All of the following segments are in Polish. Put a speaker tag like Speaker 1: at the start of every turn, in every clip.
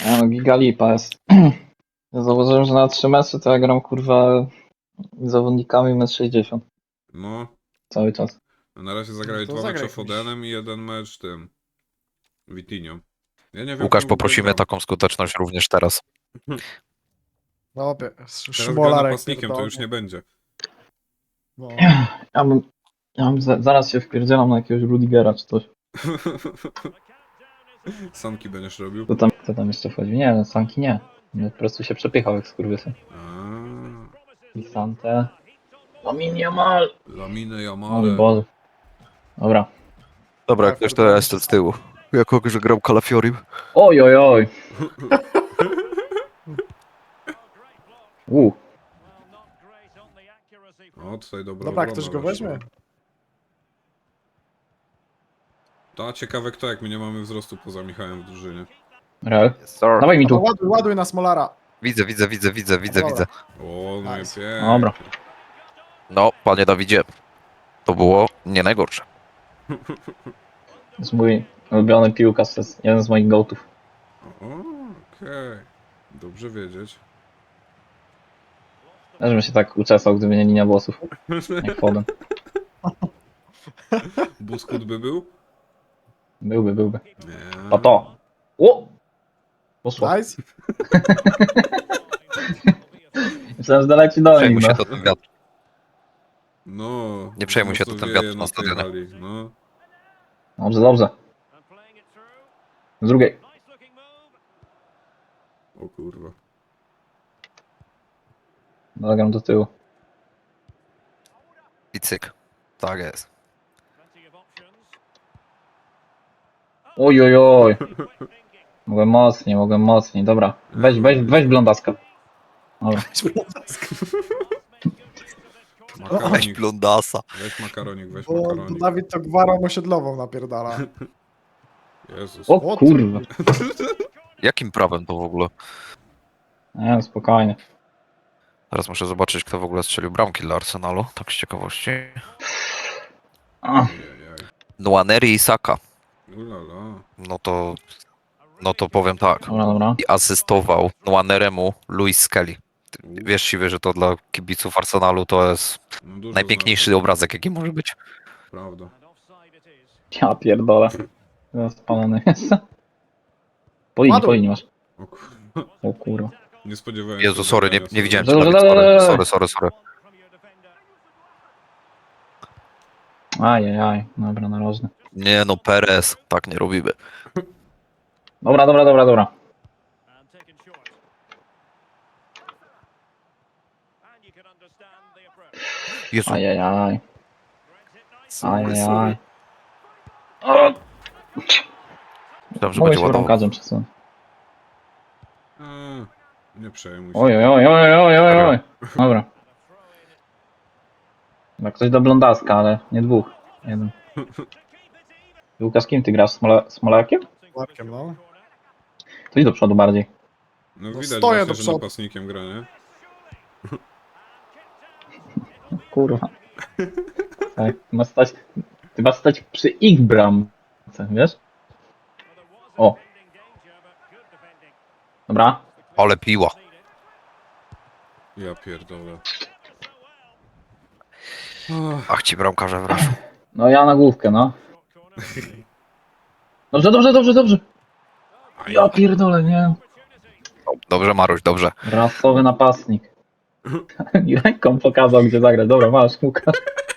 Speaker 1: No, giga lipa jest. Ja zauważyłem, że na 3 mecze to ja gram kurwa zawodnikami 1,60 m
Speaker 2: No,
Speaker 1: cały czas.
Speaker 2: na razie zagrali
Speaker 3: To
Speaker 2: 2 mecze
Speaker 3: zagraj
Speaker 2: Fodenem i 1 mecz tym Vitinho. Ja nie wiem,
Speaker 4: Łukasz,
Speaker 2: kim w ogóle
Speaker 4: poprosimy
Speaker 2: gram.
Speaker 4: taką skuteczność również teraz.
Speaker 3: No,
Speaker 2: Teraz gra
Speaker 3: Szmolarek
Speaker 2: napastnikiem, to już
Speaker 3: pierdolnie.
Speaker 2: nie będzie.
Speaker 3: No.
Speaker 1: Ja bym zaraz się wpierdzielam na jakiegoś Rudigera czy coś.
Speaker 2: Sanki będziesz robił.
Speaker 1: Kto tam jeszcze wchodzi? Nie, no, Sanki nie. No, po prostu się przepychał jak skurwysy. I Sante. Lamine Yamal!
Speaker 2: Lamine
Speaker 1: O mój
Speaker 2: Jamale.
Speaker 1: Boże. Dobra.
Speaker 4: Dobra,
Speaker 3: Tak,
Speaker 4: jak ktoś to ja jestem z tyłu. Jako, że grał Calafiorim.
Speaker 1: Oj, oj, oj.
Speaker 2: O, tutaj dobra
Speaker 3: Dobra,
Speaker 2: obrona
Speaker 3: ktoś go
Speaker 2: weszła.
Speaker 3: weźmie?
Speaker 2: To ciekawe kto, jak my nie mamy wzrostu poza Michałem w drużynie.
Speaker 1: Real.
Speaker 4: Yes, sir.
Speaker 1: Dawaj mi
Speaker 3: No to
Speaker 1: tu.
Speaker 3: ładuj na Smolara.
Speaker 4: Widzę.
Speaker 3: Dobra.
Speaker 2: O, no
Speaker 3: Nice.
Speaker 2: i pięknie.
Speaker 1: Dobra.
Speaker 4: No, panie Dawidzie, to było nie najgorsze.
Speaker 1: To jest mój ulubiony piłkarz, to jest jeden z moich gołtów.
Speaker 2: O, okej. Dobrze wiedzieć.
Speaker 1: Też bym się tak uczesał, gdyby nie linia włosów. Jak Foden.
Speaker 2: Buskut by był?
Speaker 1: Byłby.
Speaker 2: Nie.
Speaker 1: A to. O! Poszło.
Speaker 3: Nice.
Speaker 1: Myślałem, że doleci do nich,
Speaker 4: Przejmuj się
Speaker 1: no.
Speaker 4: to ten wiatr.
Speaker 2: No.
Speaker 4: Nie przejmuj się, to
Speaker 2: mocno
Speaker 4: ten
Speaker 2: wieje
Speaker 4: wiatr na
Speaker 2: tej
Speaker 4: stadionie.
Speaker 2: hali, no.
Speaker 1: Dobrze. Z drugiej.
Speaker 2: O kurwa.
Speaker 1: Zagram do tyłu.
Speaker 4: I cyk. Tak jest.
Speaker 1: Oj, oj, oj. Mogłem mocniej. Dobra. Weź blondaska. Dobra.
Speaker 4: Weź
Speaker 2: Makaronik.
Speaker 4: blondasa.
Speaker 2: Weź makaronik, weź
Speaker 3: Bo
Speaker 2: makaronik.
Speaker 3: Dawid to gwarą osiedlową napierdala.
Speaker 2: Jezus.
Speaker 1: O kurwa.
Speaker 4: Jakim prawem to w ogóle?
Speaker 1: Nie, no, spokojnie.
Speaker 4: Teraz muszę zobaczyć, kto w ogóle strzelił bramki dla Arsenalu, tak z ciekawości.
Speaker 1: A,
Speaker 2: Ajajaj.
Speaker 4: Nwaneri i Saka.
Speaker 2: Ulala.
Speaker 4: No to powiem tak.
Speaker 1: dobra.
Speaker 4: I asystował Nwaneremu Luis Skelly. Wiesz, Siwy, że to dla kibiców Arsenalu to jest
Speaker 2: No dużo
Speaker 4: najpiękniejszy obrazek, jaki może być.
Speaker 2: znaczy. Prawda.
Speaker 1: Ja pierdolę. Spalony jest. Po linii masz.
Speaker 2: O kurwa.
Speaker 1: O kurwa.
Speaker 2: Nie spodziewałem
Speaker 4: Jezu,
Speaker 2: się
Speaker 4: sorry,
Speaker 2: zagrania
Speaker 4: nie widziałem
Speaker 1: Dobra,
Speaker 4: cię, Dawid, sorry.
Speaker 1: Ajajaj. Dobra, narożny.
Speaker 4: Nie no, Perez, tak nie robimy.
Speaker 1: Dobra.
Speaker 4: Jezu,
Speaker 1: Ajajaj.
Speaker 4: sorry.
Speaker 1: O!
Speaker 4: Myślałem, że
Speaker 1: Mogę
Speaker 4: będzie
Speaker 1: się
Speaker 4: ładował.
Speaker 1: bramkarzem przesunąć.
Speaker 2: Nie przejmuj się.
Speaker 1: Oj. Dobra. Chyba ktoś do blondaska, ale nie dwóch. Jeden. Łukasz, kim ty grasz? Smolarkiem?
Speaker 3: Markiem, no.
Speaker 1: To idź do przodu bardziej.
Speaker 2: No
Speaker 3: No
Speaker 2: widać
Speaker 3: stoję
Speaker 2: właśnie,
Speaker 3: do
Speaker 2: że
Speaker 3: przodu.
Speaker 2: napastnikiem gra, nie?
Speaker 1: Kurwa. Tak, ty masz stać przy ich bramce, wiesz? O. Dobra.
Speaker 4: Ale piła.
Speaker 2: Ja pierdolę.
Speaker 4: Ach ci bramkarze wreszcie.
Speaker 1: No ja na główkę, no. Dobrze. Ja pierdolę, nie.
Speaker 4: Dobrze, Maruś, dobrze.
Speaker 1: Rasowy napastnik. I ręką pokazał, gdzie zagrać. Dobra, masz, Łukasz.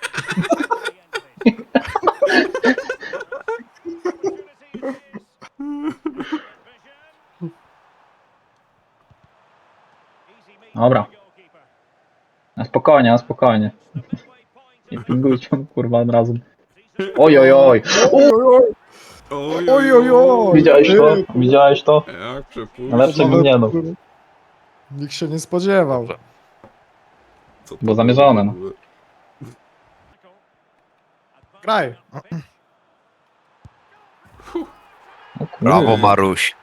Speaker 1: Dobra. Na spokojnie. Nie pingujcie, kurwa, od razu. Oj.
Speaker 3: Oj.
Speaker 1: Widziałeś to?
Speaker 2: Jak przepuść?
Speaker 1: Lepsze bym nie dał.
Speaker 3: Nikt się nie spodziewał.
Speaker 4: Dobrze.
Speaker 2: Co to
Speaker 1: Bo zamierzone,
Speaker 2: było
Speaker 1: no.
Speaker 2: w ogóle?
Speaker 3: Graj.
Speaker 1: O kurwa.
Speaker 4: Brawo, Maruś.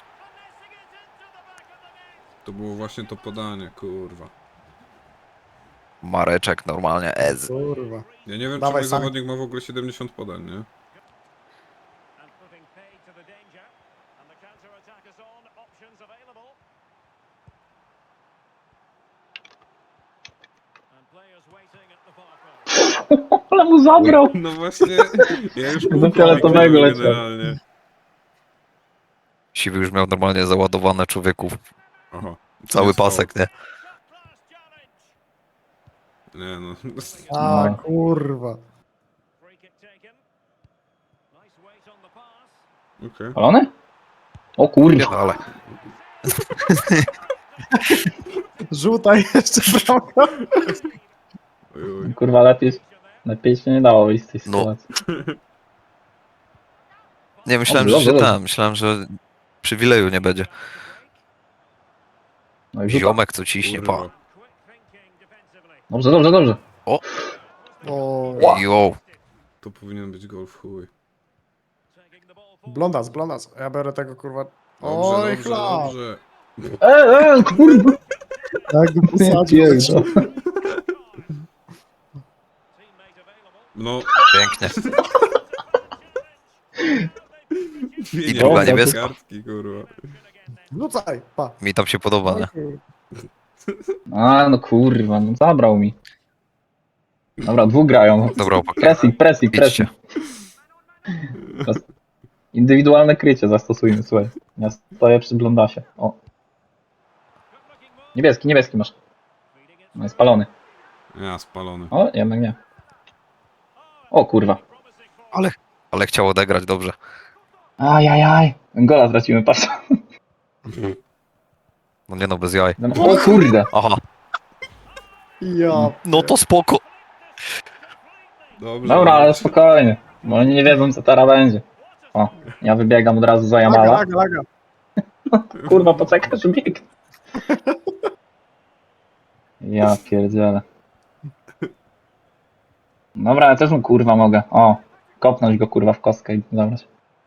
Speaker 2: To było właśnie to podanie, kurwa.
Speaker 4: Mareczek normalnie, ez.
Speaker 3: Kurwa.
Speaker 2: Ja nie wiem,
Speaker 3: Dawaj,
Speaker 2: czy mój
Speaker 3: Sanki.
Speaker 2: zawodnik ma w ogóle 70 podań, nie?
Speaker 1: Ale mu zabrał!
Speaker 2: No właśnie, ja już
Speaker 1: Do
Speaker 2: pół
Speaker 1: fioletowego
Speaker 2: paki
Speaker 1: leciał.
Speaker 2: generalnie.
Speaker 4: Siwy już miał normalnie załadowane człowieków.
Speaker 2: Aha.
Speaker 4: Cały
Speaker 2: Jest
Speaker 4: pasek, nie?
Speaker 2: faul. Nie no.
Speaker 3: A,
Speaker 1: No.
Speaker 3: kurwa.
Speaker 2: Okej.
Speaker 1: Palony? O kurwa.
Speaker 4: Ale
Speaker 3: Żółta jeszcze bramka.
Speaker 2: Oj, oj.
Speaker 1: Kurwa, lepiej się nie dało wyjść z tej
Speaker 4: No.
Speaker 1: sytuacji.
Speaker 4: nie, myślałem,
Speaker 1: Dobrze,
Speaker 4: że się
Speaker 1: dobrze,
Speaker 4: tam, myślałem, że przywileju nie będzie.
Speaker 1: No i rzuta.
Speaker 4: Ziomek co ciśnie, pa.
Speaker 2: Kurwa.
Speaker 1: Dobrze, dobrze, dobrze.
Speaker 3: O,
Speaker 4: Jo,
Speaker 2: To powinien być gol w chuj.
Speaker 3: blondas. Ja biorę tego, kurwa.
Speaker 2: Dobrze,
Speaker 3: Oj,
Speaker 2: dobrze,
Speaker 3: chlap.
Speaker 2: dobrze.
Speaker 1: Kurwa.
Speaker 3: Jak go posadził.
Speaker 1: Jezu.
Speaker 2: No,
Speaker 4: pięknie.
Speaker 2: nie
Speaker 4: druga
Speaker 2: ma
Speaker 4: niebieska.
Speaker 2: kartki, kurwa.
Speaker 3: Rzucaj, pa.
Speaker 4: Mi tam się podoba, nie?
Speaker 1: A, no kurwa, no zabrał mi. Dobra, dwóch grają.
Speaker 4: Dobra, chłopaki,
Speaker 1: Pressing.
Speaker 4: idźcie.
Speaker 1: Teraz indywidualne krycie zastosujmy, słuchaj. Ja stoję przy blondasie. O. Niebieski masz. No jest spalony.
Speaker 2: Ja, spalony.
Speaker 1: O, jednak nie. O kurwa.
Speaker 4: Ale chciał odegrać dobrze.
Speaker 1: Ajajaj. Gola stracimy, patrz.
Speaker 4: No nie no, bez jaj.
Speaker 1: O kurde.
Speaker 4: Aha,
Speaker 3: Ja.
Speaker 4: no to spoko.
Speaker 2: Dobrze.
Speaker 1: Dobra, ale spokojnie. Bo oni nie wiedzą co teraz będzie. O, ja wybiegam od razu za Jamala.
Speaker 3: Laga.
Speaker 1: Kurwa, poczekasz, bieg. Ja pierdzielę. Dobra, ja też mu kurwa mogę. O, kopnąć go kurwa w kostkę i zabrać.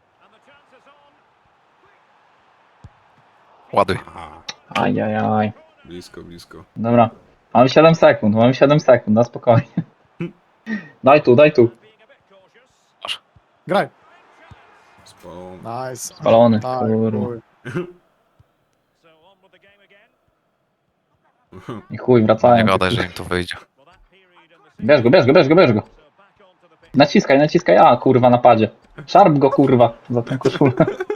Speaker 4: Ładuj.
Speaker 2: Aha,
Speaker 1: Ajajaj.
Speaker 2: blisko.
Speaker 1: Dobra. Mamy 7 sekund, na spokojnie. Daj tu.
Speaker 3: Graj.
Speaker 2: Spalony.
Speaker 3: Nice.
Speaker 1: Spalony,
Speaker 3: Tak,
Speaker 1: kurwa.
Speaker 3: chuj.
Speaker 1: I chuj,
Speaker 4: Nie
Speaker 1: wracają.
Speaker 4: gadaj, że im to wyjdzie.
Speaker 1: Bierz go. Naciskaj, a kurwa napadzie. Szarp go kurwa za tą koszulę.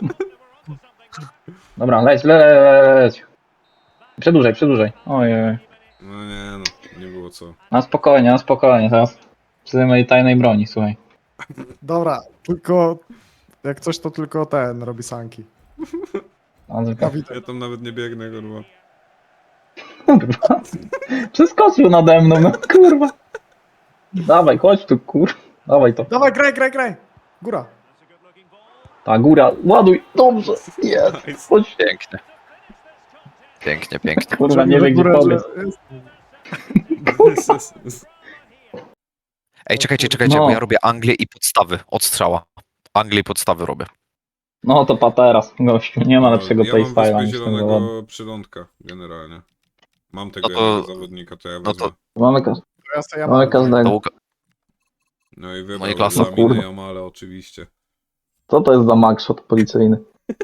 Speaker 1: Dobra, leć. Przedłużaj. Ojej.
Speaker 2: No nie no, nie było co.
Speaker 1: Na spokojnie, teraz przy mojej tajnej broni, słuchaj.
Speaker 3: Dobra, tylko jak coś to tylko ten robi sanki. Kawita.
Speaker 2: Ja tam nawet nie biegnę, kurwa.
Speaker 1: Kurwa. Przeskoczył nade mną, no kurwa. Dawaj, chodź tu, kurwa. Dawaj to.
Speaker 3: Dawaj, graj. Góra.
Speaker 1: Ta góra, ładuj. Dobrze. Jest. Chodź.
Speaker 4: Pięknie.
Speaker 1: Kurwa, nie wiem gdzie
Speaker 3: Górę,
Speaker 1: pobiec.
Speaker 4: Ej, czekajcie,
Speaker 1: No.
Speaker 4: bo ja robię Anglię i podstawy od strzała. Anglię i podstawy robię.
Speaker 1: No to pa teraz, gościu. Nie ma lepszego
Speaker 2: Ja mam
Speaker 1: playstyle'a
Speaker 2: wyspę
Speaker 1: niż ten zawodnik.
Speaker 2: zielonego przylądka, generalnie. Mam tego
Speaker 4: No to-
Speaker 2: jednego zawodnika, to ja
Speaker 4: no
Speaker 2: wezmę.
Speaker 4: to-
Speaker 3: Ja sobie
Speaker 1: Mamy
Speaker 4: To
Speaker 1: każdego.
Speaker 4: Łuka-
Speaker 2: No i
Speaker 4: No i
Speaker 2: wybrał
Speaker 4: klasa.
Speaker 2: dla minę
Speaker 1: Kurwa.
Speaker 2: Jamale oczywiście.
Speaker 1: Co to jest za magshot policyjny?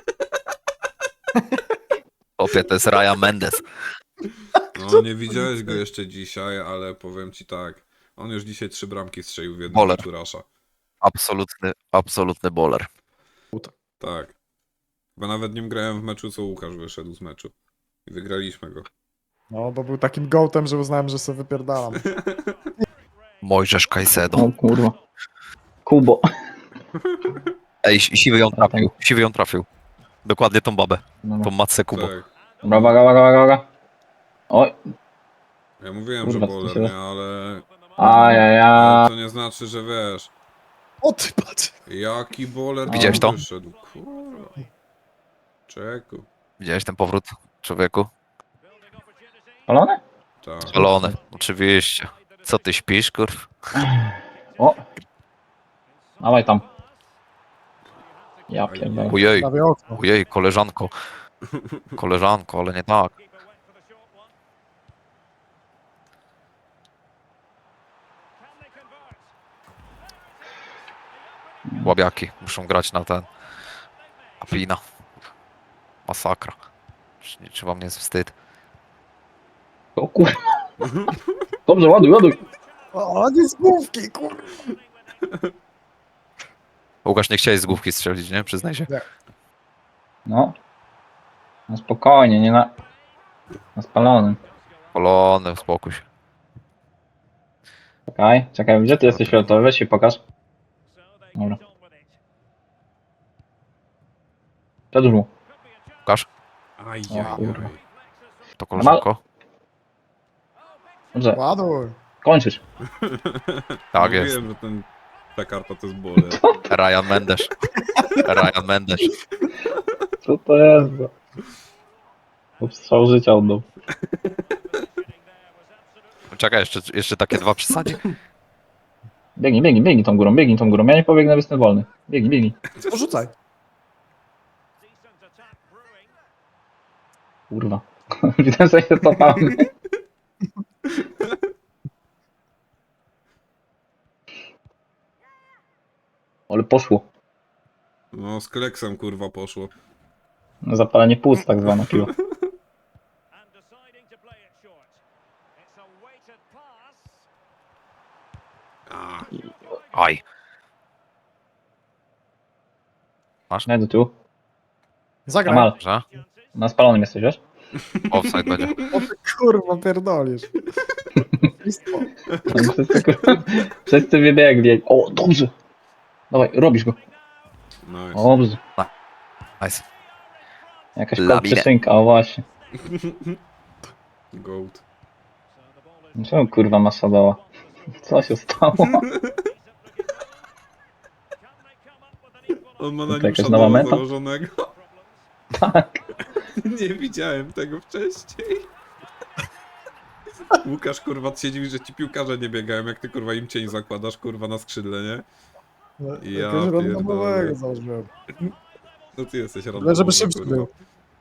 Speaker 4: Opie, to jest Raya Mendes.
Speaker 2: No nie widziałeś go jeszcze dzisiaj, ale powiem ci tak. On już dzisiaj 3 bramki strzelił w jednym
Speaker 4: Boler.
Speaker 2: meczu Rasha.
Speaker 4: Absolutny boler.
Speaker 2: Tak. Bo nawet nim grałem w meczu, co Łukasz wyszedł z meczu. I wygraliśmy go.
Speaker 3: No, bo był takim gołtem, że uznałem, że sobie wypierdalam.
Speaker 4: Mojżesz Caicedo.
Speaker 1: O kurwa. Kubo.
Speaker 4: Ej, siwy ją trafił. Dokładnie tą babę, tą matce Kubo.
Speaker 2: Tak.
Speaker 1: Dobra, uwaga. Oj.
Speaker 2: Ja mówiłem,
Speaker 1: Kurwa,
Speaker 2: że
Speaker 1: co
Speaker 2: Boler,
Speaker 1: się-
Speaker 2: nie, ale
Speaker 1: Ajajaj.
Speaker 2: to nie znaczy, że wiesz.
Speaker 3: O ty patrz!
Speaker 2: Jaki Boler
Speaker 4: Widziałeś
Speaker 2: tam
Speaker 4: to?
Speaker 2: wyszedł. Kurwa. Czeku.
Speaker 4: Widziałeś ten powrót, człowieku?
Speaker 1: Spalony?
Speaker 2: Tak.
Speaker 4: Spalony, oczywiście. Co ty śpisz, kurw?
Speaker 1: O. Dawaj tam. Ja pierdolę.
Speaker 4: Ojej,
Speaker 3: Prawie okno.
Speaker 4: koleżanko. Koleżanko, ale nie tak. Łabiaki muszą grać na ten. Apina. Masakra. Czy wam nie jest wstyd?
Speaker 1: O kurwa. Dobrze, ładuj, ładuj.
Speaker 3: O, nie z główki, kurwa.
Speaker 4: Łukasz, nie chciałeś z główki strzelić, nie? Przyznaj się.
Speaker 1: No. No spokojnie, nie na spalonym.
Speaker 4: Polony, uspokój się.
Speaker 1: Czekaj, czekaj, gdzie ty jesteś fioletowy? Weź się pokaż. Dobra. Przedłuż mu.
Speaker 4: Łukasz,
Speaker 2: Ajajaj.
Speaker 4: to koleżanko?
Speaker 1: Dobrze,
Speaker 3: Ładuj.
Speaker 1: kończysz.
Speaker 4: Tak jest.
Speaker 2: Wiem, że ten Pekarpa to jest bole.
Speaker 4: Ryan Mendes. Ryan Mendes.
Speaker 1: Co to jest? Strzał życia oddał.
Speaker 4: Czekaj, jeszcze takie dwa przesadzi.
Speaker 1: Biegnij, biegnij, biegnij tą górą, biegnij tą górą. Ja nie pobiegnę, bo jestem wolny. Biegnij, biegnij.
Speaker 3: Porzucaj.
Speaker 1: Kurwa. Widzę, że się cofamy. Ale poszło.
Speaker 2: No, z Kleksem kurwa poszło.
Speaker 1: Zapalenie płuc tak zwane piło.
Speaker 2: A,
Speaker 4: Aj. Masz?
Speaker 1: Nie do tyłu.
Speaker 3: Zagraj.
Speaker 1: Amal,
Speaker 4: Że?
Speaker 1: na spalonym jesteś, wiesz?
Speaker 4: Offside będzie.
Speaker 3: O ty kurwa pierdolisz. Listwo.
Speaker 1: Wszyscy wybiegli. O, dobrze. Dawaj, robisz go.
Speaker 2: nice.
Speaker 1: Dobrze.
Speaker 4: Nice.
Speaker 1: Jakaś
Speaker 4: Labinę.
Speaker 1: przeszynka, o właśnie.
Speaker 2: Goat.
Speaker 1: Czemu kurwa masa dała? Co się stało?
Speaker 2: On ma
Speaker 1: To
Speaker 2: na nim
Speaker 1: jakaś nowa
Speaker 2: Shadowa
Speaker 1: meta?
Speaker 2: założonego.
Speaker 1: Tak.
Speaker 2: Nie widziałem tego wcześniej. Łukasz kurwa siedzi, że ci piłkarze nie biegają, jak ty kurwa im cień zakładasz kurwa na skrzydle, nie? Ja
Speaker 3: Jakiegoś randomowego
Speaker 2: pierdolę.
Speaker 3: założyłem.
Speaker 2: No ty jesteś
Speaker 3: Ale
Speaker 2: randomowy,
Speaker 3: żeby szybciej
Speaker 2: kurwa.
Speaker 3: był.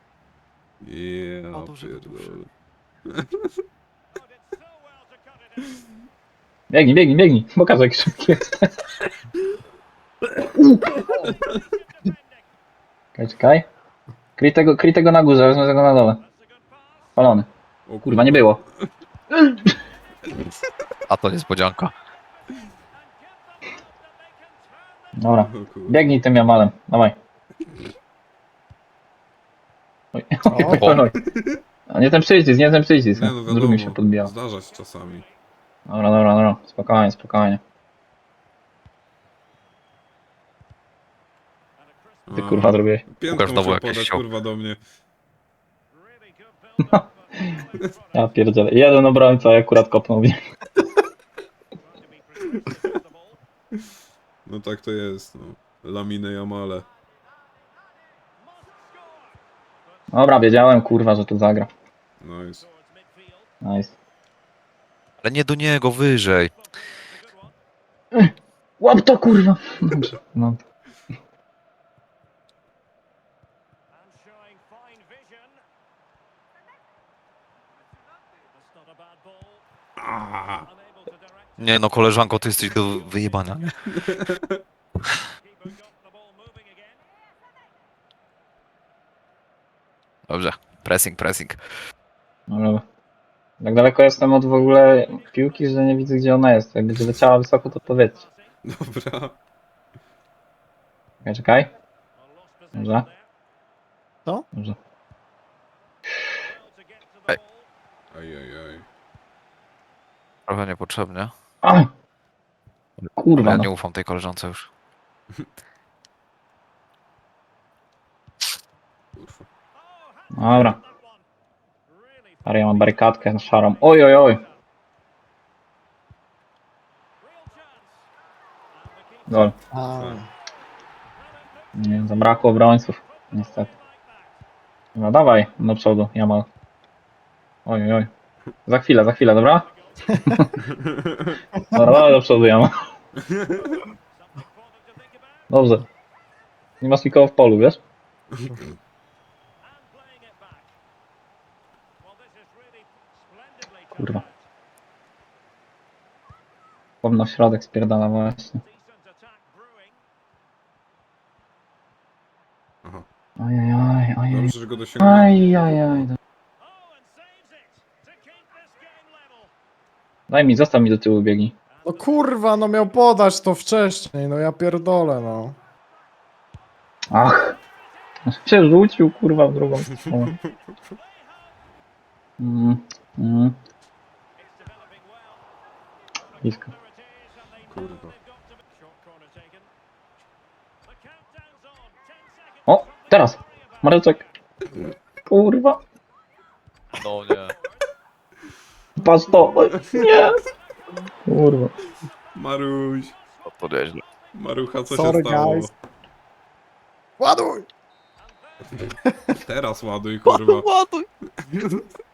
Speaker 2: Ja
Speaker 4: dobrze,
Speaker 2: pierdolę.
Speaker 1: Biegnij, biegnij, biegnij. Pokaż jak szybki jest. Czekaj, czekaj. Kryj tego na górze, wezmę tego na dole. Spalony.
Speaker 2: O
Speaker 1: Kurwa, nie było.
Speaker 4: A to niespodzianka.
Speaker 1: Dobra.
Speaker 2: O kurwa.
Speaker 1: Biegnij tym Jamalem. Dawaj. Oj, oj, oj, oj, oj. A nie ten przycisk, nie ten przycisk.
Speaker 2: Nie no
Speaker 1: Drugi mi się
Speaker 2: wiadomo,
Speaker 1: podbijał.
Speaker 2: zdarza się czasami.
Speaker 1: Dobra, dobra, dobra. Spokojnie, spokojnie. Ty
Speaker 2: A,
Speaker 1: kurwa zrobiłeś.
Speaker 2: Piętką
Speaker 4: Łukasz znowu
Speaker 2: się
Speaker 4: jakieś
Speaker 2: podać
Speaker 4: sioł.
Speaker 2: kurwa do mnie.
Speaker 1: Ja pierdzielę. Jeden obrońca, ja akurat kopnął w nie.
Speaker 2: No tak to jest, no. Lamine Jamale.
Speaker 1: Dobra, wiedziałem kurwa, że tu zagra.
Speaker 2: Nice.
Speaker 1: Nice.
Speaker 4: Ale nie do niego, wyżej.
Speaker 1: Łap to kurwa. Dobrze. No.
Speaker 2: A,
Speaker 4: Nie no, koleżanko, ty jesteś do wyjebania, nie? Dobrze. Pressing, pressing.
Speaker 1: Dobra. Tak daleko jestem od w ogóle piłki, że nie widzę gdzie ona jest. Jak będzie leciała wysoko, to powiedzcie.
Speaker 2: dobra.
Speaker 1: Czekaj, czekaj. Dobrze.
Speaker 3: Co?
Speaker 1: Dobrze.
Speaker 2: Ajajaj.
Speaker 4: Trochę niepotrzebnie.
Speaker 1: A! Kurwa,
Speaker 4: Ja
Speaker 1: no.
Speaker 4: nie ufam tej koleżance już.
Speaker 2: Kurwa.
Speaker 1: Dobra. Ale ja mam barykadkę szarą. Oj, oj, oj. Gol.
Speaker 3: A,
Speaker 1: Nie, zabrakło obrońców. Niestety. No dawaj, do przodu, Jamal. Oj, oj, oj. Za chwilę, dobra? Dobra, dawaj do przodu, Jamal. Dobrze. Nie masz nikogo w polu, wiesz? Kurwa. Powinno w środek spierdala właśnie.
Speaker 2: Aha.
Speaker 1: Ojej, ojej, ojej.
Speaker 2: Dobrze, że go go dosięgnąłem.
Speaker 1: Ajajaj. Daj mi, zostaw mi do tyłu biegi.
Speaker 3: No kurwa, no miał podać to wcześniej, no ja pierdolę, no.
Speaker 1: Ach. Aż się rzucił, kurwa, w drugą stronę. Mm. Blisko.
Speaker 2: Kurwa.
Speaker 1: O, teraz! Mareczek! Kurwa!
Speaker 4: No nie.
Speaker 1: Patrz to! Nie! Kurwa.
Speaker 2: Maruś.
Speaker 4: To nieźle.
Speaker 2: Marucha, co
Speaker 3: Sorry,
Speaker 2: się stało?
Speaker 3: guys. Ładuj!
Speaker 2: Teraz ładuj, kurwa.
Speaker 4: Ładuj!